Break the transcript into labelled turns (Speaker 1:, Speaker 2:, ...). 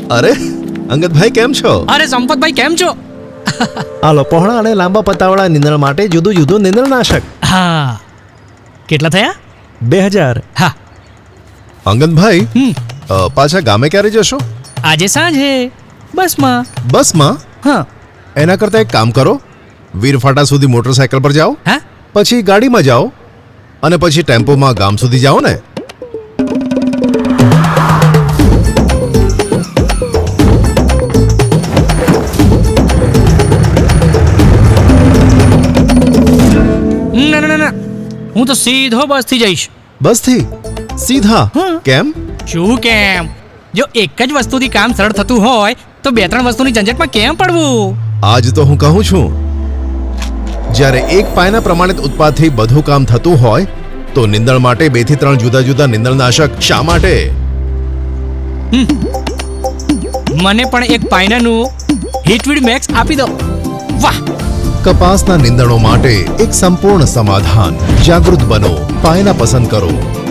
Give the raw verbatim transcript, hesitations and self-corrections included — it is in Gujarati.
Speaker 1: અરે અંગદભાઈ કેમ છો?
Speaker 2: અરે સંપતભાઈ કેમ છો?
Speaker 1: આલો પહોળા અને લાંબા પત્તાવાળા નીંદણ માટે જુદું જુદું નીંદણનાશક.
Speaker 2: હા, કેટલા થયા?
Speaker 1: બે હજાર.
Speaker 2: હા.
Speaker 1: અંગદભાઈ
Speaker 2: હમ
Speaker 1: અ, પાછા ગામે ક્યારે જશો?
Speaker 2: આજે સાંજે બસમાં.
Speaker 1: બસમાં?
Speaker 2: હા.
Speaker 1: એના કરતાં એક કામ કરો, વીરફાટા સુધી મોટરસાયકલ પર જાઓ,
Speaker 2: હા,
Speaker 1: પછી ગાડીમાં જાઓ અને પછી ટેમ્પોમાં ગામ સુધી જાઓ ને.
Speaker 2: ના ના ના ના, હું તો સીધો બસથી જઈશ.
Speaker 1: બસથી સીધા?
Speaker 2: હમ.
Speaker 1: કેમ?
Speaker 2: શું કેમ? જો એક જ વસ્તુથી કામ સરળ થતું હોય તો બે ત્રણ વસ્તુની ઝંઝટમાં કેમ પડવું?
Speaker 1: આજ તો હું કહું છું, જ્યારે એક પાયના પ્રમાણિત ઉત્પાદથી બધું કામ થતું હોય તો નિંદણ માટે બે થી ત્રણ જુદા જુદા નિંદણનાશક શા માટે?
Speaker 2: મને પણ એક પાયનાનું હિટવીડ મેક્સ આપી દો. વાહ!
Speaker 1: કપાસના નિંદણો માટે એક સંપૂર્ણ સમાધાન. જાગૃત બનો, પાયના પસંદ કરો.